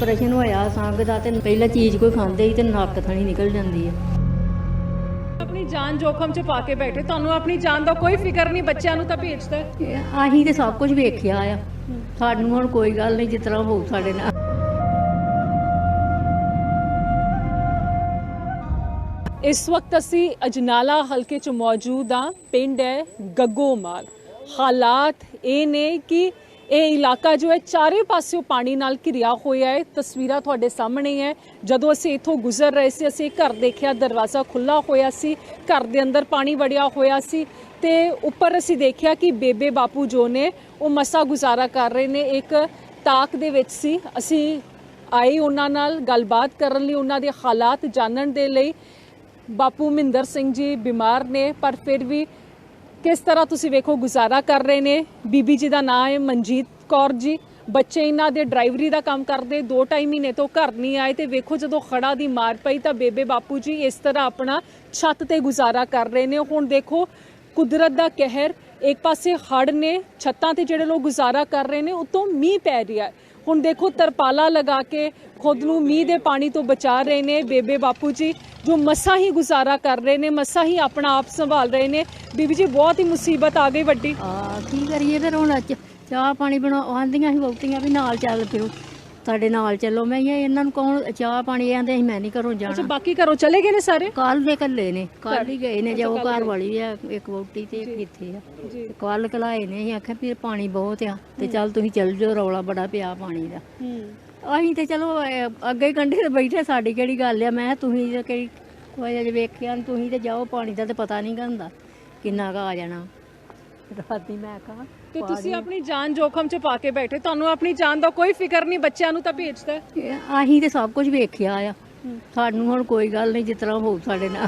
Operation ਹੋਇਆ ਸੰਗ ਦਾ ਤੇ ਪਹਿਲਾਂ ਚੀਜ਼ ਕੋਈ ਖਾਂਦੇ ਹੀ ਤੇ ਨੱਕ ਥਣੀ ਨਿਕਲ ਜਾਂਦੀ ਹੈ। ਆਪਣੀ ਜਾਨ ਜੋਖਮ 'ਚ ਪਾ ਕੇ ਬੈਠੇ, ਤੁਹਾਨੂੰ ਆਪਣੀ ਜਾਨ ਦਾ ਕੋਈ ਫਿਕਰ ਨਹੀਂ, ਬੱਚਿਆਂ ਨੂੰ ਤਾਂ ਭੇਜਦਾ। ਅਸੀਂ ਤੇ ਸਭ ਕੁਝ ਵੇਖਿਆ ਆ, ਸਾਨੂੰ ਹੁਣ ਕੋਈ ਗੱਲ ਨਹੀਂ, ਜਿਸ ਤਰ੍ਹਾਂ ਹੋਊ ਸਾਡੇ ਨਾਲ। ਇਸ ਵਕਤ ਅਸੀਂ ਅਜਨਾਲਾ ਹਲਕੇ 'ਚ ਮੌਜੂਦ ਹਾਂ। ਪਿੰਡ ਹੈ ਗੱਗੋਮਾਲ। ਹਾਲਾਤ ਇਹ ਨੇ ਕਿ ਇਹ ਇਲਾਕਾ ਜੋ ਹੈ ਚਾਰੇ ਪਾਸਿਓਂ ਪਾਣੀ ਨਾਲ ਘਿਰਿਆ ਹੋਇਆ ਹੈ। ਤਸਵੀਰਾਂ ਤੁਹਾਡੇ ਸਾਹਮਣੇ ਹੈ। ਜਦੋਂ ਅਸੀਂ ਇੱਥੋਂ ਗੁਜ਼ਰ ਰਹੇ ਸੀ, ਅਸੀਂ ਘਰ ਦੇਖਿਆ, ਦਰਵਾਜ਼ਾ ਖੁੱਲ੍ਹਾ ਹੋਇਆ ਸੀ, ਘਰ ਦੇ ਅੰਦਰ ਪਾਣੀ ਵੜਿਆ ਹੋਇਆ ਸੀ ਤੇ ਉੱਪਰ ਅਸੀਂ ਦੇਖਿਆ ਕਿ ਬੇਬੇ ਬਾਪੂ ਜੋ ਨੇ ਉਹ ਮਸਾ ਗੁਜ਼ਾਰਾ ਕਰ ਰਹੇ ਨੇ। ਇੱਕ ਤਾਕ ਦੇ ਵਿੱਚ ਸੀ। ਅਸੀਂ ਆਏ ਉਹਨਾਂ ਨਾਲ ਗੱਲਬਾਤ ਕਰਨ ਲਈ, ਉਹਨਾਂ ਦੇ ਹਾਲਾਤ ਜਾਣਨ ਦੇ ਲਈ। ਬਾਪੂ ਮਹਿੰਦਰ ਸਿੰਘ ਜੀ ਬਿਮਾਰ ਨੇ, ਪਰ ਫਿਰ ਵੀ ਕਿਸ ਤਰ੍ਹਾਂ ਤੁਸੀਂ ਵੇਖੋ ਗੁਜ਼ਾਰਾ ਕਰ ਰਹੇ ਨੇ। ਬੀਬੀ ਜੀ ਦਾ ਨਾਮ ਹੈ ਮਨਜੀਤ ਕੌਰ ਜੀ। ਬੱਚੇ ਇਹਨਾਂ ਦੇ ਡਰਾਈਵਰੀ ਦਾ ਕੰਮ ਕਰਦੇ, 2-2.5 ਮਹੀਨੇ ਤੋਂ ਘਰ ਨਹੀਂ ਆਏ ਤੇ ਵੇਖੋ ਜਦੋਂ ਖੜਾ ਦੀ ਮਾਰ ਪਈ ਤਾਂ ਬੇਬੇ ਬਾਪੂ ਜੀ ਇਸ ਤਰ੍ਹਾਂ ਆਪਣਾ ਛੱਤ ਤੇ ਗੁਜ਼ਾਰਾ ਕਰ ਰਹੇ ਨੇ। ਹੁਣ ਦੇਖੋ ਕੁਦਰਤ ਦਾ ਕਹਿਰ, ਇੱਕ ਪਾਸੇ ਹੜ੍ਹ ਨੇ, ਛੱਤਾਂ ਤੇ ਜਿਹੜੇ ਲੋਕ ਗੁਜ਼ਾਰਾ ਕਰ ਰਹੇ ਨੇ, ਉਤੋਂ ਮੀਂਹ ਪੈ ਰਿਹਾ ਹੈ। ਹੁਣ ਦੇਖੋ ਤਰਪਾਲਾ ਲਗਾ ਕੇ ਖੁਦ ਨੂੰ ਮੀਂਹ ਦੇ ਪਾਣੀ ਤੋਂ ਬਚਾ ਰਹੇ ਨੇ ਬੇਬੇ ਬਾਪੂ ਜੀ, ਜੋ ਮਸਾਂ ਹੀ ਗੁਜ਼ਾਰਾ ਕਰ ਰਹੇ ਨੇ, ਮਸਾਂ ਹੀ ਆਪਣਾ ਆਪ ਸੰਭਾਲ ਰਹੇ ਨੇ। ਬੀਬੀ ਜੀ ਬਹੁਤ ਹੀ ਮੁਸੀਬਤ ਆ ਗਈ ਵੱਡੀ। ਕੀ ਕਰੀਏ ਫਿਰ ਹੁਣ? ਚਾਹ ਪਾਣੀ ਆਂਦੀਆਂ ਸੀ ਵਹੁਟੀਆਂ ਵੀ ਨਾਲ ਚੱਲ ਫਿਰੋ, ਤੁਹਾਡੇ ਨਾਲ ਚੱਲੋ। ਮੈਂ ਇਹਨਾਂ ਨੂੰ ਕੌਣ ਚਾਹ ਪਾਣੀ ਆਂਦੇ ਸੀ, ਮੈਂ ਨਹੀਂ ਘਰੋਂ ਜਾਣਾ। ਬਾਕੀ ਘਰੋਂ ਚਲੇ ਗਏ ਨੇ ਸਾਰੇ? ਕੱਲ ਦੇ ਕੱਲੇ ਨੇ, ਕੱਲ ਹੀ ਗਏ ਨੇ। ਜੋ ਘਰ ਵਾਲੀ ਆ ਇੱਕ ਵਹੁਟੀ ਤੇ ਇੱਥੇ ਆ, ਕੱਲ ਕਲਾਏ ਨੇ। ਅਸੀਂ ਆਖਿਆ ਵੀ ਪਾਣੀ ਬਹੁਤ ਆ ਤੇ ਚੱਲ ਤੁਸੀਂ ਚੱਲ ਜਾਓ, ਰੌਲਾ ਬੜਾ ਪਿਆ ਪਾਣੀ ਦਾ। ਅਸੀਂ ਤੇ ਚਲੋ ਅੱਗੇ ਕੰਢੇ ਤੇ ਬੈਠੇ, ਸਾਡੀ ਕਿਹੜੀ ਗੱਲ ਆ। ਮੈਂ ਤੁਸੀਂ ਤੇ ਕਿਹੜੀ ਕੋਈ ਅਜੇ ਵੇਖਿਆ ਨੀ, ਤੁਸੀਂ ਤੇ ਜਾਓ, ਪਾਣੀ ਦਾ ਤੇ ਪਤਾ ਨਹੀਂ ਹੁੰਦਾ ਕਿੰਨਾ ਕੁ ਆ ਜਾਣਾ। ਰਾਤੀ ਮੈਂ ਕਹਾ ਤੇ ਤੁਸੀਂ ਆਪਣੀ ਜਾਨ ਜੋਖਮ 'ਚ ਪਾ ਕੇ ਬੈਠੇ, ਤੁਹਾਨੂੰ ਆਪਣੀ ਜਾਨ ਦਾ ਕੋਈ ਫਿਕਰ ਨਹੀਂ, ਬੱਚਿਆਂ ਨੂੰ ਤਾਂ ਭੇਜਦਾ। ਅਸੀਂ ਤੇ ਸਭ ਕੁਝ ਵੇਖਿਆ ਆ, ਸਾਨੂੰ ਹੁਣ ਕੋਈ ਗੱਲ ਨਹੀਂ, ਜਿਸ ਤਰ੍ਹਾਂ ਹੋਊ ਸਾਡੇ ਨਾਲ।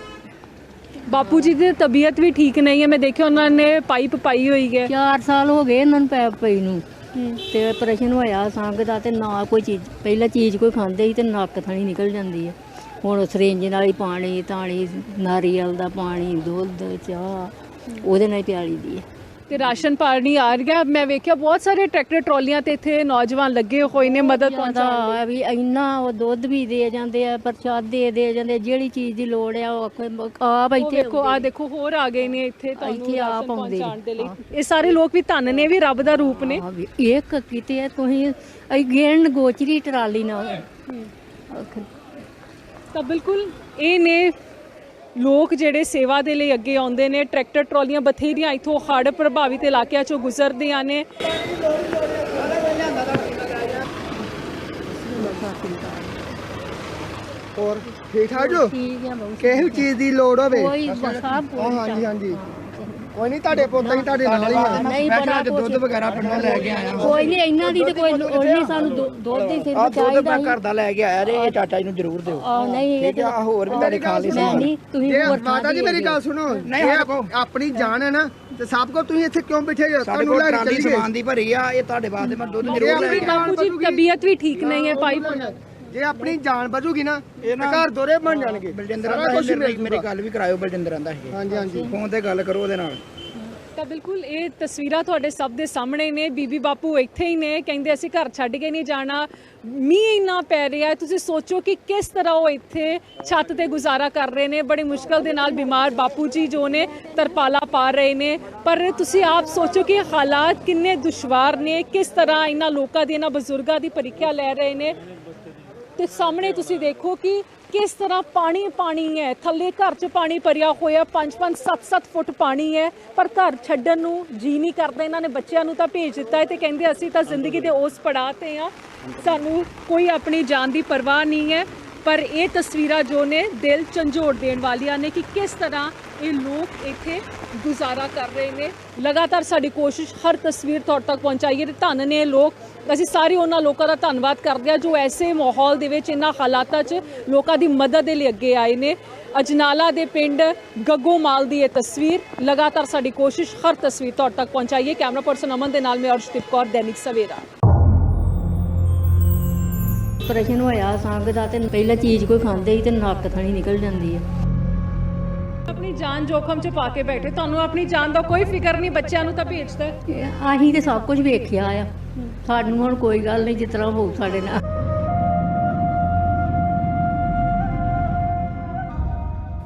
ਬਾਪੂ ਜੀ ਦੀ ਤਬੀਅਤ ਵੀ ਠੀਕ ਨਹੀਂ ਹੈ, ਮੈਂ ਦੇਖਿਆ ਉਹਨਾਂ ਨੇ ਪਾਈਪ ਪਾਈ ਹੋਈ ਹੈ। 4 ਸਾਲ ਹੋ ਗਏ ਇਹਨਾਂ ਨੂੰ ਪੈਪ ਪਈ ਨੂੰ ਤੇ ਆਪਰੇਸ਼ਨ ਹੋਇਆ ਸੰਗ ਦਾ ਤੇ ਨਾ ਕੋਈ ਚੀਜ਼, ਪਹਿਲਾਂ ਚੀਜ਼ ਕੋਈ ਖਾਂਦੇ ਹੀ ਤੇ ਨੱਕ ਥਣੀ ਨਿਕਲ ਜਾਂਦੀ ਹੈ। ਹੁਣ ਸਰਿੰਜ ਨਾਲ ਹੀ ਪਾਣੀ ਤਾਣੀ, ਨਾਰੀਅਲ ਦਾ ਪਾਣੀ, ਦੁੱਧ, ਚਾਹ ਉਹਦੇ ਨਾਲ ਹੀ ਪਿਆਲੀ ਦੀ ਹੈ। ਤੇ ਰਾਸ਼ਨ ਪਾਣੀ ਆ ਰਿਹਾ। ਮੈਂ ਵੇਖਿਆ ਬਹੁਤ ਸਾਰੇ ਟਰੈਕਟਰ ਟਰਾਲੀਆਂ ਤੇ ਇੱਥੇ ਨੌਜਵਾਨ ਲੱਗੇ ਹੋਏ ਨੇ ਮਦਦ ਪਹੁੰਚਾਉਣ ਲਈ। ਵੀ ਇੰਨਾ ਉਹ ਦੁੱਧ ਵੀ ਦੇ ਜਾਂਦੇ ਆ, ਪ੍ਰਸ਼ਾਦੇ ਦੇ ਜਾਂਦੇ, ਜਿਹੜੀ ਚੀਜ਼ ਦੀ ਲੋੜ ਆ ਉਹ ਆਪ ਇੱਥੇ। ਦੇਖੋ ਆ ਦੇਖੋ ਹੋਰ ਆ ਗਏ ਨੇ ਇੱਥੇ ਤੁਹਾਨੂੰ ਆਪ ਪਹੁੰਚਾਉਣ ਦੇ ਲਈ। ਇਹ ਸਾਰੇ ਲੋਕ ਵੀ ਧੰਨ ਨੇ, ਵੀ ਰੱਬ ਦਾ ਰੂਪ ਨੇ। ਇੱਕ ਕਿਤੇ ਤੁਸੀਂ ਗਿਣ ਗੋਚਰੀ ਟਰਾਲੀ ਨਾਲ ਤਾਂ ਬਿਲਕੁਲ ਇਹ ਨੇ ਲੋਕ ਜਿਹੜੇ ਸੇਵਾ ਦੇ ਲਈ ਅੱਗੇ ਆਉਂਦੇ ਨੇ। ਟਰੈਕਟਰ ਟਰਾਲੀਆਂ ਬਥੇਰੀਆਂ ਇੱਥੋਂ ਹੜ੍ਹ ਪ੍ਰਭਾਵਿਤ ਇਲਾਕਿਆਂ 'ਚੋਂ ਗੁਜ਼ਰਦੀਆਂ ਨੇ। ਹੋਰ ਠੀਕ ਠਾਕ ਜੋ? ਠੀਕ ਆ ਬਹੁਤ। ਕਿਸੇ ਚੀਜ਼ ਦੀ ਲੋੜ ਹੋਵੇ? ਕੋਈ ਸਭ ਕੁਝ। ਹਾਂਜੀ ਹਾਂਜੀ, ਕੋਈ ਨਹੀਂ, ਤੁਹਾਡੇ ਪੁੱਤਾਂ ਹੀ ਤੁਹਾਡੇ ਨਾਲ ਹੀ ਆ। ਨਹੀਂ ਬੜਾ ਦੁੱਧ ਵਗੈਰਾ ਪਿੰਡੋਂ ਲੈ ਕੇ ਆਇਆ। ਕੋਈ ਨਹੀਂ, ਇਹਨਾਂ ਦੀ ਤੇ ਕੋਈ ਲੋੜ ਨਹੀਂ, ਸਾਨੂੰ ਦੁੱਧ ਦੀ ਸਿਰਫ ਚਾਹੀਦਾ। ਦੁੱਧ ਮੈਂ ਘਰ ਦਾ ਲੈ ਕੇ ਆਇਆ ਰੇ, ਇਹ ਚਾਚਾ ਜੀ ਨੂੰ ਜ਼ਰੂਰ ਦਿਓ। ਨਹੀਂ ਠੀਕ ਆ, ਹੋਰ ਵੀ ਤੁਹਾਡੇ ਖਾਣ ਲਈ ਮੈਂ ਨਹੀਂ, ਤੁਸੀਂ ਮਾਤਾ ਜੀ ਮੇਰੀ ਗੱਲ ਸੁਣੋ। ਆਪਣੀ ਜਾਨ ਹੈ ਨਾ ਤੇ ਸਭ ਕੋ ਤੁਸੀਂ ਇੱਥੇ ਕਿਉਂ ਬੈਠੇ ਹੋ? ਤੁਹਾਨੂੰ ਲੈ ਕੇ ਚੱਲੀਏ। ਸਮਾਨ ਦੀ ਭਰੀ ਆ, ਇਹ ਤੁਹਾਡੇ ਵਾਸਤੇ ਮੈਂ ਦੁੱਧ ਜ਼ਰੂਰ ਲੈ ਕੇ ਆਇਆ। ਬਾਪੂ ਜੀ ਤਬੀਅਤ ਵੀ ਠੀਕ ਨਹੀਂ ਹੈ ਭਾਈ। ਜੇ ਆਪਣੀ ਜਾਨ ਬਚੂਗੀ ਨਾ ਤੇ ਘਰ ਦੋਰੇ ਬਣ ਜਾਣਗੇ। ਬਲਜਿੰਦਰ ਆਂਦਾ ਮੇਰੀ ਗੱਲ ਵੀ ਕਰਾਇਓ। ਬਲਜਿੰਦਰ ਆਂਦਾ ਸੀ। ਹਾਂਜੀ ਹਾਂਜੀ, ਫੋਨ ਤੇ ਗੱਲ ਕਰੋ ਉਹਦੇ ਨਾਲ। ਤਾਂ ਬਿਲਕੁਲ ਇਹ ਤਸਵੀਰਾਂ ਤੁਹਾਡੇ ਸਭ ਦੇ ਸਾਹਮਣੇ ਨੇ। ਬੀਬੀ ਬਾਪੂ ਇੱਥੇ ਹੀ ਨੇ, ਕਹਿੰਦੇ ਅਸੀਂ ਘਰ ਛੱਡ ਕੇ ਨਹੀਂ ਜਾਣਾ। ਮੀਂਹ ਇੰਨਾ ਪੈ ਰਿਹਾ ਹੈ, ਤੁਸੀਂ ਸੋਚੋ ਕਿ ਕਿਸ ਤਰ੍ਹਾਂ ਉਹ ਇੱਥੇ ਛੱਤ ਤੇ ਗੁਜ਼ਾਰਾ ਕਰ ਰਹੇ ਨੇ। ਬੜੀ ਮੁਸ਼ਕਲ ਦੇ ਨਾਲ ਬਿਮਾਰ ਬਾਪੂ ਜੀ ਜੋ ਨੇ ਤਰਪਾਲਾ ਪਾ ਰਹੇ ਨੇ। ਪਰ ਤੁਸੀਂ ਆਪ ਸੋਚੋ ਕਿ ਹਾਲਾਤ ਕਿੰਨੇ ਦੁਸ਼ਵਾਰ ਨੇ, ਕਿਸ ਤਰ੍ਹਾਂ ਇਹਨਾਂ ਲੋਕਾਂ ਦੀ, ਇਹਨਾਂ ਬਜ਼ੁਰਗਾਂ ਦੀ ਪ੍ਰੀਖਿਆ ਲੈ ਰਹੇ ਨੇ। ਤੇ ਸਾਹਮਣੇ ਤੁਸੀਂ ਦੇਖੋ ਕਿ ਕਿਸ ਤਰ੍ਹਾਂ ਪਾਣੀ ਪਾਣੀ ਹੈ, ਥੱਲੇ ਘਰ 'ਚ ਪਾਣੀ ਭਰਿਆ ਹੋਇਆ, 5-5, 7-7 ਫੁੱਟ ਪਾਣੀ ਹੈ। ਪਰ ਘਰ ਛੱਡਣ ਨੂੰ ਜੀ ਨਹੀਂ ਕਰਦਾ। ਇਹਨਾਂ ਨੇ ਬੱਚਿਆਂ ਨੂੰ ਤਾਂ ਭੇਜ ਦਿੱਤਾ ਹੈ ਤੇ ਕਹਿੰਦੇ ਅਸੀਂ ਤਾਂ ਜ਼ਿੰਦਗੀ ਦੇ ਉਸ ਪੜਾਅ ਤੇ ਆ, ਸਾਨੂੰ ਕੋਈ ਆਪਣੀ ਜਾਨ ਦੀ ਪਰਵਾਹ ਨਹੀਂ ਹੈ। ਪਰ ਇਹ ਤਸਵੀਰਾਂ ਜੋ ਨੇ ਦਿਲ ਝੰਜੋੜ ਦੇਣ ਵਾਲੀਆਂ ਨੇ ਕਿ ਕਿਸ ਤਰ੍ਹਾਂ ਇਹ ਲੋਕ ਇੱਥੇ ਗੁਜ਼ਾਰਾ ਕਰ ਰਹੇ ਨੇ। ਲਗਾਤਾਰ ਸਾਡੀ ਕੋਸ਼ਿਸ਼ ਹਰ ਤਸਵੀਰ ਤੁਹਾਡੇ ਤੱਕ ਪਹੁੰਚਾਈਏ ਤੇ ਧੰਨ ਨੇ ਲੋਕ। ਅਸੀਂ ਸਾਰੇ ਉਹਨਾਂ ਲੋਕਾਂ ਦਾ ਧੰਨਵਾਦ ਕਰਦੇ ਹਾਂ ਜੋ ਐਸੇ ਮਾਹੌਲ ਦੇ ਵਿੱਚ, ਇਹਨਾਂ ਹਾਲਾਤਾਂ 'ਚ ਲੋਕਾਂ ਦੀ ਮਦਦ ਦੇ ਲਈ ਅੱਗੇ ਆਏ ਨੇ। ਅਜਨਾਲਾ ਦੇ ਪਿੰਡ ਗੱਗੋਮਾਲ ਦੀ ਇਹ ਤਸਵੀਰ। ਲਗਾਤਾਰ ਸਾਡੀ ਕੋਸ਼ਿਸ਼ ਹਰ ਤਸਵੀਰ ਤੁਹਾਡੇ ਤੱਕ ਪਹੁੰਚਾਈਏ। ਕੈਮਰਾ ਪਰਸਨ ਅਮਨ ਦੇ ਨਾਲ ਮੈਂ ਅਰਸ਼ਦੀਪ ਕੌਰ, ਦੈਨਿਕ ਸਵੇਰਾ। ਆਪਰੇਸ਼ਨ ਹੋਇਆ ਸੰਗ ਦਾ ਤੇ ਪਹਿਲਾਂ ਚੀਜ਼ ਕੋਈ ਖਾਂਦੇ ਹੀ ਤੇ ਨੱਕ ਥਣੀ ਨਿਕਲ ਜਾਂਦੀ ਹੈ। ਆਪਣੀ ਜਾਨ ਜੋਖਮ 'ਚ ਪਾ ਕੇ ਬੈਠੇ, ਤੁਹਾਨੂੰ ਆਪਣੀ ਜਾਨ ਦਾ ਕੋਈ ਫਿਕਰ ਨਹੀਂ, ਬੱਚਿਆਂ ਨੂੰ ਤਾਂ ਭੇਜਦਾ। ਅਸੀਂ ਤੇ ਸਭ ਕੁਝ ਵੇਖਿਆ ਆ, ਸਾਨੂੰ ਹੁਣ ਕੋਈ ਗੱਲ ਨਹੀਂ, ਜਿਸ ਤਰ੍ਹਾਂ ਹੋਊ ਸਾਡੇ ਨਾਲ।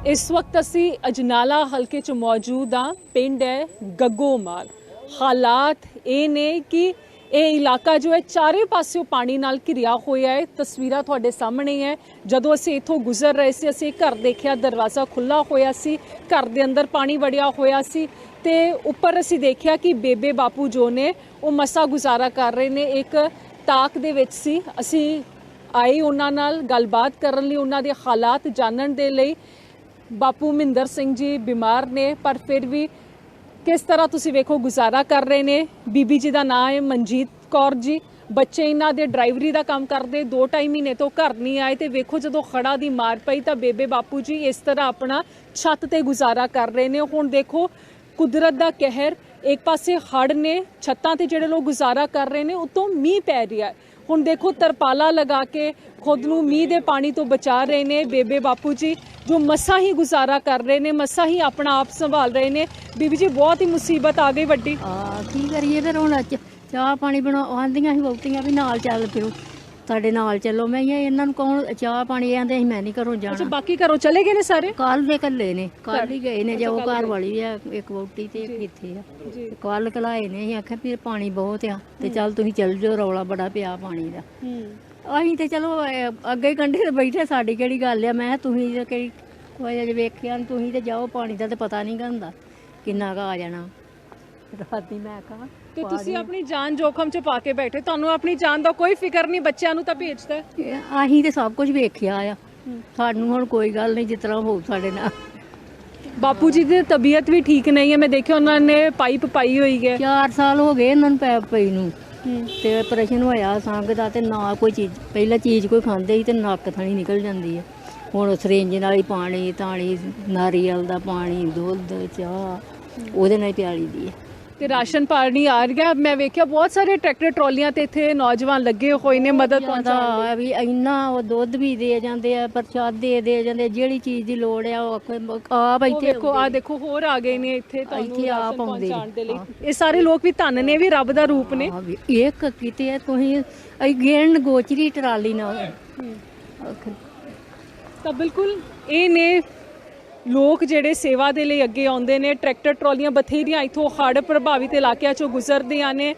ਇਸ ਵਕਤ ਅਸੀਂ ਅਜਨਾਲਾ ਹਲਕੇ 'ਚ ਮੌਜੂਦ ਹਾਂ। ਪਿੰਡ ਹੈ ਗੱਗੋਮਾਲ। ਹਾਲਾਤ ਇਹ ਨੇ ਕਿ ਇਹ ਇਲਾਕਾ ਜੋ ਹੈ ਚਾਰੇ ਪਾਸਿਓਂ ਪਾਣੀ ਨਾਲ ਘਿਰਿਆ ਹੋਇਆ ਹੈ। ਤਸਵੀਰਾਂ ਤੁਹਾਡੇ ਸਾਹਮਣੇ ਹੈ। ਜਦੋਂ ਅਸੀਂ ਇੱਥੋਂ ਗੁਜ਼ਰ ਰਹੇ ਸੀ, ਅਸੀਂ ਘਰ ਦੇਖਿਆ, ਦਰਵਾਜ਼ਾ ਖੁੱਲ੍ਹਾ ਹੋਇਆ ਸੀ, ਘਰ ਦੇ ਅੰਦਰ ਪਾਣੀ ਵੜਿਆ ਹੋਇਆ ਸੀ ਤੇ ਉੱਪਰ ਅਸੀਂ ਦੇਖਿਆ ਕਿ ਬੇਬੇ ਬਾਪੂ ਜੋ ਨੇ ਉਹ ਮਸਾ ਗੁਜ਼ਾਰਾ ਕਰ ਰਹੇ ਨੇ। ਇੱਕ ਤਾਕ ਦੇ ਵਿੱਚ ਸੀ। ਅਸੀਂ ਆਏ ਉਹਨਾਂ ਨਾਲ ਗੱਲਬਾਤ ਕਰਨ ਲਈ, ਉਹਨਾਂ ਦੇ ਹਾਲਾਤ ਜਾਣਨ ਦੇ ਲਈ। ਬਾਪੂ ਮਹਿੰਦਰ ਸਿੰਘ ਜੀ ਬਿਮਾਰ ਨੇ, ਪਰ ਫਿਰ ਵੀ ਕਿਸ ਤਰ੍ਹਾਂ ਤੁਸੀਂ ਵੇਖੋ ਗੁਜ਼ਾਰਾ ਕਰ ਰਹੇ ਨੇ। ਬੀਬੀ ਜੀ ਦਾ ਨਾਮ ਹੈ ਮਨਜੀਤ ਕੌਰ ਜੀ। ਬੱਚੇ ਇਹਨਾਂ ਦੇ ਡਰਾਈਵਰੀ ਦਾ ਕੰਮ ਕਰਦੇ, 2-2.5 ਮਹੀਨੇ ਤੋਂ ਘਰ ਨਹੀਂ ਆਏ ਤੇ ਵੇਖੋ ਜਦੋਂ ਖੜਾ ਦੀ ਮਾਰ ਪਈ ਤਾਂ ਬੇਬੇ ਬਾਪੂ ਜੀ ਇਸ ਤਰ੍ਹਾਂ ਆਪਣਾ ਛੱਤ ਤੇ ਗੁਜ਼ਾਰਾ ਕਰ ਰਹੇ ਨੇ। ਹੁਣ ਦੇਖੋ ਕੁਦਰਤ ਦਾ ਕਹਿਰ, ਇੱਕ ਪਾਸੇ ਹੜ੍ਹ ਨੇ, ਛੱਤਾਂ ਤੇ ਜਿਹੜੇ ਲੋਕ ਗੁਜ਼ਾਰਾ ਕਰ ਰਹੇ ਨੇ, ਉਤੋਂ ਮੀਂਹ ਪੈ ਰਿਹਾ। ਹੁਣ ਦੇਖੋ ਤਰਪਾਲਾ ਲਗਾ ਕੇ ਖੁਦ ਨੂੰ ਮੀਂਹ ਦੇ ਪਾਣੀ ਤੋਂ ਬਚਾ ਰਹੇ ਨੇ ਬੇਬੇ ਬਾਪੂ ਜੀ, ਜੋ ਮਸਾਂ ਹੀ ਗੁਜ਼ਾਰਾ ਕਰ ਰਹੇ ਨੇ, ਮਸਾਂ ਹੀ ਆਪਣਾ ਆਪ ਸੰਭਾਲ ਰਹੇ ਨੇ। ਬੀਬੀ ਜੀ ਬਹੁਤ ਹੀ ਮੁਸੀਬਤ ਆ ਗਈ ਵੱਡੀ। ਕੀ ਕਰੀਏ ਫਿਰ ਹੁਣ ਚਾਹ ਪਾਣੀ ਬਣਾ ਆਂਦੀਆਂ ਸੀ ਵਹੁਟੀਆਂ ਵੀ ਨਾਲ ਚੱਲ ਫਿਰੋ, ਸਾਡੇ ਨਾਲ ਚੱਲੋ। ਮੈਂ ਕਿਹਾ ਇਹਨਾਂ ਨੂੰ ਕੌਣ ਚਾਹ ਪਾਣੀ ਆਂਦੇ ਸੀ, ਮੈਂ ਨਹੀਂ ਘਰੋਂ ਅੱਛਾ, ਜਾਣਾ। ਬਾਕੀ ਘਰੋਂ ਚਲੇ ਗਏ ਨੇ ਸਾਰੇ? ਕੱਲ ਦੇ ਕੱਲੇ ਨੇ, ਕੱਲ ਹੀ ਗਏ ਨੇ। ਜੋ ਘਰ ਵਾਲੀ ਆ ਇੱਕ ਵਹੁਟੀ ਤੇ ਇੱਕ ਇੱਥੇ ਆ, ਕੱਲ ਕਲਾਏ ਨੇ। ਅਸੀਂ ਆਖਿਆ ਵੀ ਪਾਣੀ ਬਹੁਤ ਆ ਤੇ ਚੱਲ ਤੁਸੀਂ ਚੱਲ ਜਾਓ, ਰੌਲਾ ਬੜਾ ਪਿਆ ਪਾਣੀ ਦਾ। ਅਸੀਂ ਤੇ ਚਲੋ ਅੱਗੇ ਕੰਢੇ ਤੇ ਬੈਠੇ, ਸਾਡੀ ਕਿਹੜੀ ਗੱਲ ਆ। ਮੈਂ ਤੁਸੀਂ ਤੇ ਕਿਹੜੀ ਕੋਈ ਅਜੇ ਵੇਖਿਆ, ਤੁਸੀਂ ਤੇ ਜਾਓ, ਪਾਣੀ ਦਾ ਤੇ ਪਤਾ ਨਹੀਂ ਹੁੰਦਾ ਕਿੰਨਾ ਕੁ ਆ ਜਾਣਾ। ਰਾਤੀ ਮੈਂ ਕਹਾਂ ਤੇ ਤੁਸੀਂ ਆਪਣੀ ਜਾਨ ਜੋਖਮ 'ਚ ਪਾ ਕੇ ਬੈਠੇ, ਤੁਹਾਨੂੰ ਆਪਣੀ ਜਾਨ ਦਾ ਕੋਈ ਫਿਕਰ ਨਹੀਂ, ਬੱਚਿਆਂ ਨੂੰ ਤਾਂ ਭੇਜਦਾ। ਅਸੀਂ ਤੇ ਸਭ ਕੁਝ ਵੇਖਿਆ ਆ, ਸਾਨੂੰ ਹੁਣ ਕੋਈ ਗੱਲ ਨਹੀਂ, ਜਿਸ ਤਰ੍ਹਾਂ ਹੋਊ ਸਾਡੇ ਨਾਲ। ਬਾਪੂ ਜੀ ਦੀ ਤਬੀਅਤ ਵੀ ਠੀਕ ਨਹੀਂ ਹੈ, ਮੈਂ ਦੇਖਿਆ ਉਹਨਾਂ ਨੇ ਪਾਈਪ ਪਾਈ ਹੋਈ ਹੈ। 4 ਸਾਲ ਹੋ ਗਏ ਇਹਨਾਂ ਨੂੰ ਪੈਪ ਪਈ ਨੂੰ ਤੇ ਆਪਰੇਸ਼ਨ ਹੋਇਆ ਸੰਗ ਦਾ, ਤੇ ਨਾ ਕੋਈ ਚੀਜ਼, ਪਹਿਲਾਂ ਚੀਜ਼ ਕੋਈ ਖਾਂਦੇ ਸੀ ਤੇ ਨੱਕ ਥਣੀ ਨਿਕਲ ਜਾਂਦੀ ਹੈ। ਹੁਣ ਸਿਰਿੰਜ ਨਾਲ ਹੀ ਪਾਣੀ ਤਾਣੀ, ਨਾਰੀਅਲ ਦਾ ਪਾਣੀ, ਦੁੱਧ, ਚਾਹ ਉਹਦੇ ਨਾਲ ਹੀ ਪਿਆਲੀ ਦੀ ਹੈ। ਤੇ ਰਾਸ਼ਨ ਪਾਣੀ ਆ ਰਿਹਾ। ਮੈਂ ਵੇਖਿਆ ਬਹੁਤ ਸਾਰੇ ਟਰੈਕਟਰ ਟਰਾਲੀਆਂ ਤੇ ਇੱਥੇ ਨੌਜਵਾਨ ਲੱਗੇ ਹੋਏ ਨੇ ਮਦਦ ਪਹੁੰਚਾਉਣ ਲਈ। ਵੀ ਇੰਨਾ ਉਹ ਦੁੱਧ ਵੀ ਦੇ ਜਾਂਦੇ ਆ, ਪ੍ਰਸ਼ਾਦੇ ਦੇ ਜਾਂਦੇ ਆ, ਜਿਹੜੀ ਚੀਜ਼ ਦੀ ਲੋੜ ਆ ਉਹ ਆਪ ਇੱਥੇ ਦੇਖੋ, ਆ ਦੇਖੋ ਹੋਰ ਆ ਗਏ ਨੇ ਇੱਥੇ ਤੁਹਾਨੂੰ ਇੱਥੇ ਆਪ ਰਾਸ਼ਨ ਆਉਂਦੇ ਪਹੁੰਚਾਉਣ ਦੇ ਲਈ। ਇਹ ਸਾਰੇ ਲੋਕ ਵੀ ਧੰਨ ਨੇ, ਵੀ ਰੱਬ ਦਾ ਰੂਪ ਨੇ। ਇੱਕ ਕਿਤੇ ਤੁਸੀਂ ਗਿਣ ਗੋਚਰੀ ਟਰਾਲੀ ਨਾਲ। ਤਾਂ ਬਿਲਕੁਲ ਇਹ ਨੇ ਲੋਕ ਜਿਹੜੇ ਸੇਵਾ ਦੇ ਲਈ ਅੱਗੇ ਆਉਂਦੇ ਨੇ। ਟਰੈਕਟਰ ਟਰਾਲੀਆਂ ਬਥੇਰੀਆਂ ਇੱਥੋਂ ਹੜ੍ਹ ਪ੍ਰਭਾਵਿਤ ਇਲਾਕਿਆਂ ਚੋਂ ਗੁਜ਼ਰਦੀਆਂ ਨੇ।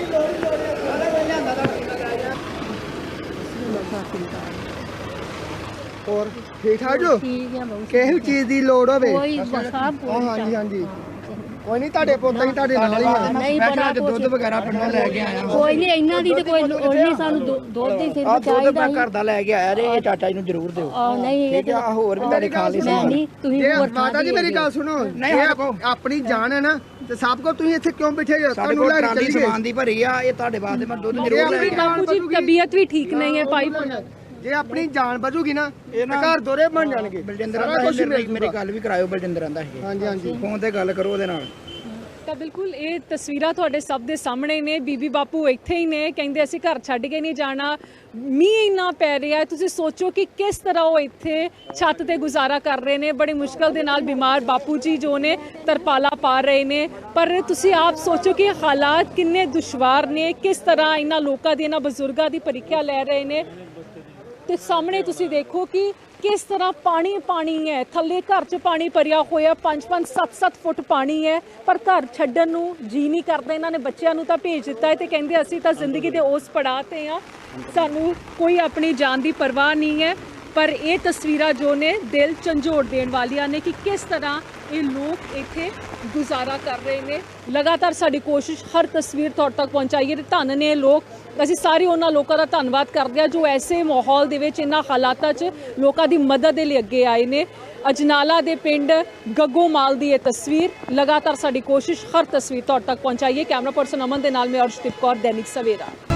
ਹੋਰ ਠੀਕ ਠਾਕ ਜੋ? ਠੀਕ ਆ ਬਹੁਤ। ਕਿਸੇ ਚੀਜ਼ ਦੀ ਲੋੜ ਹੋਵੇ ਕੋਈ ਸਭ ਕੁਝ ਹਾਂਜੀ ਹਾਂਜੀ, ਕੋਈ ਨਹੀਂ, ਤੁਹਾਡੇ ਪੁੱਤ ਹੀ ਤੁਹਾਡੇ ਨਾਲ ਹੀ ਆ। ਨਹੀਂ ਬੜਾ ਦੁੱਧ ਵਗੈਰਾ ਪਿੰਡੋਂ ਲੈ ਕੇ ਆਇਆ। ਕੋਈ ਨਹੀਂ, ਇਹਨਾਂ ਦੀ ਤੇ ਕੋਈ ਲੋੜ ਨਹੀਂ, ਸਾਨੂੰ ਦੁੱਧ ਹੀ ਸਿਰਫ ਦੁੱਧ ਚਾਹੀਦਾ ਮੈਂ ਘਰ ਦਾ ਲੈ ਕੇ ਆਇਆ ਜੇ, ਇਹ ਚਾਚਾ ਜੀ ਨੂੰ ਜ਼ਰੂਰ ਦਿਓ। ਨਹੀਂ ਇਹ ਠੀਕ ਆ, ਹੋਰ ਵੀ ਤੁਹਾਡੇ ਖਾ ਲਈ ਮੈਂ ਨਹੀਂ, ਤੁਸੀਂ ਜੇ ਹੋਰ ਮਾਤਾ ਜੀ ਮੇਰੀ ਗੱਲ ਸੁਣੋ, ਜੇ ਆਪਣੀ ਜਾਨ ਹੈ ਨਾ ਤੇ ਸਭ ਕੋ ਤੁਸੀਂ ਇੱਥੇ ਕਿਉਂ ਬੈਠੇ ਹੋ? ਸਾਡੇ ਤੁਹਾਨੂੰ ਕੋਲ ਲੈ ਕੇ ਟਰਾਲੀ ਚੱਲੀਏ। ਸਮਾਨ ਦੀ ਭਰੀ ਆ, ਇਹ ਤੁਹਾਡੇ ਵਾਸਤੇ ਮੈਂ ਦੁੱਧ ਜ਼ਰੂਰ ਲੈ ਕੇ ਆਇਆ। ਬਾਪੂ ਜੀ ਤਬੀਅਤ ਵੀ ਠੀਕ ਨਹੀਂ ਹੈ, ਪਾਈਪ ਜੇ ਆਪਣੀ ਜਾਨ ਬਚੂਗੀ ਨਾ ਤੇ ਘਰ ਦੋਰੇ ਬਣ ਜਾਣਗੇ। ਬਲਜਿੰਦਰ ਆਂਦਾ ਮੇਰੀ ਗੱਲ ਵੀ ਕਰਾਇਓ, ਬਲਜਿੰਦਰ ਆਂਦਾ ਸੀ। ਹਾਂਜੀ ਹਾਂਜੀ, ਫੋਨ ਤੇ ਗੱਲ ਕਰੋ ਉਹਦੇ ਨਾਲ। ਤਾਂ ਬਿਲਕੁਲ ਇਹ ਤਸਵੀਰਾਂ ਤੁਹਾਡੇ ਸਭ ਦੇ ਸਾਹਮਣੇ ਨੇ। ਬੀਬੀ ਬਾਪੂ ਇੱਥੇ ਹੀ ਨੇ, ਕਹਿੰਦੇ ਅਸੀਂ ਘਰ ਛੱਡ ਕੇ ਨਹੀਂ ਜਾਣਾ। ਮੀਂਹ ਇੰਨਾ ਪੈ ਰਿਹਾ ਹੈ, ਤੁਸੀਂ ਸੋਚੋ ਕਿ ਕਿਸ ਤਰ੍ਹਾਂ ਉਹ ਇੱਥੇ ਛੱਤ ਤੇ ਗੁਜ਼ਾਰਾ ਕਰ ਰਹੇ ਨੇ। ਬੜੀ ਮੁਸ਼ਕਲ ਦੇ ਨਾਲ ਬਿਮਾਰ ਬਾਪੂ ਜੀ ਜੋ ਨੇ ਤਰਪਾਲਾ ਪਾ ਰਹੇ ਨੇ, ਪਰ ਤੁਸੀਂ ਆਪ ਸੋਚੋ ਕਿ ਹਾਲਾਤ ਕਿੰਨੇ ਦੁਸ਼ਵਾਰ ਨੇ, ਕਿਸ ਤਰ੍ਹਾਂ ਇਹਨਾਂ ਲੋਕਾਂ ਦੀ, ਇਹਨਾਂ ਬਜ਼ੁਰਗਾਂ ਦੀ ਪ੍ਰੀਖਿਆ ਲੈ ਰਹੇ ਨੇ। ਤੇ ਸਾਹਮਣੇ ਤੁਸੀਂ ਦੇਖੋ ਕਿ ਕਿਸ ਤਰ੍ਹਾਂ ਪਾਣੀ ਪਾਣੀ ਹੈ, ਥੱਲੇ ਘਰ 'ਚ ਪਾਣੀ ਭਰਿਆ ਹੋਇਆ, 5-5, 7-7 ਫੁੱਟ ਪਾਣੀ ਹੈ, ਪਰ ਘਰ ਛੱਡਣ ਨੂੰ ਜੀ ਨਹੀਂ ਕਰਦਾ। ਇਹਨਾਂ ਨੇ ਬੱਚਿਆਂ ਨੂੰ ਤਾਂ ਭੇਜ ਦਿੱਤਾ ਹੈ ਤੇ ਕਹਿੰਦੇ ਅਸੀਂ ਤਾਂ ਜ਼ਿੰਦਗੀ ਦੇ ਉਸ ਪੜਾਅ ਤੇ ਆ, ਸਾਨੂੰ ਕੋਈ ਆਪਣੀ ਜਾਨ ਦੀ ਪਰਵਾਹ ਨਹੀਂ ਹੈ। ਪਰ ਇਹ ਤਸਵੀਰਾਂ ਜੋ ਨੇ ਦਿਲ ਝੰਜੋੜ ਦੇਣ ਵਾਲੀਆਂ ਨੇ ਕਿ ਕਿਸ ਤਰ੍ਹਾਂ ਇਹ ਲੋਕ ਇੱਥੇ ਗੁਜ਼ਾਰਾ ਕਰ ਰਹੇ ਨੇ। ਲਗਾਤਾਰ ਸਾਡੀ ਕੋਸ਼ਿਸ਼ ਹਰ ਤਸਵੀਰ ਤੁਹਾਡੇ ਤੱਕ ਪਹੁੰਚਾਈਏ ਤੇ ਧੰਨ ਨੇ ਲੋਕ। ਅਸੀਂ ਸਾਰੇ ਉਹਨਾਂ ਲੋਕਾਂ ਦਾ ਧੰਨਵਾਦ ਕਰਦੇ ਹਾਂ ਜੋ ਐਸੇ ਮਾਹੌਲ ਦੇ ਵਿੱਚ, ਇਹਨਾਂ ਹਾਲਾਤਾਂ 'ਚ ਲੋਕਾਂ ਦੀ ਮਦਦ ਦੇ ਲਈ ਅੱਗੇ ਆਏ ਨੇ। ਅਜਨਾਲਾ ਦੇ ਪਿੰਡ ਗੱਗੋਮਾਲ ਦੀ ਇਹ ਤਸਵੀਰ। ਲਗਾਤਾਰ ਸਾਡੀ ਕੋਸ਼ਿਸ਼ ਹਰ ਤਸਵੀਰ ਤੁਹਾਡੇ ਤੱਕ ਪਹੁੰਚਾਈਏ। ਕੈਮਰਾ ਪਰਸਨ ਅਮਨ ਦੇ ਨਾਲ ਮੈਂ ਅਰਸ਼ਦੀਪ ਕੌਰ, ਦੈਨਿਕ ਸਵੇਰਾ।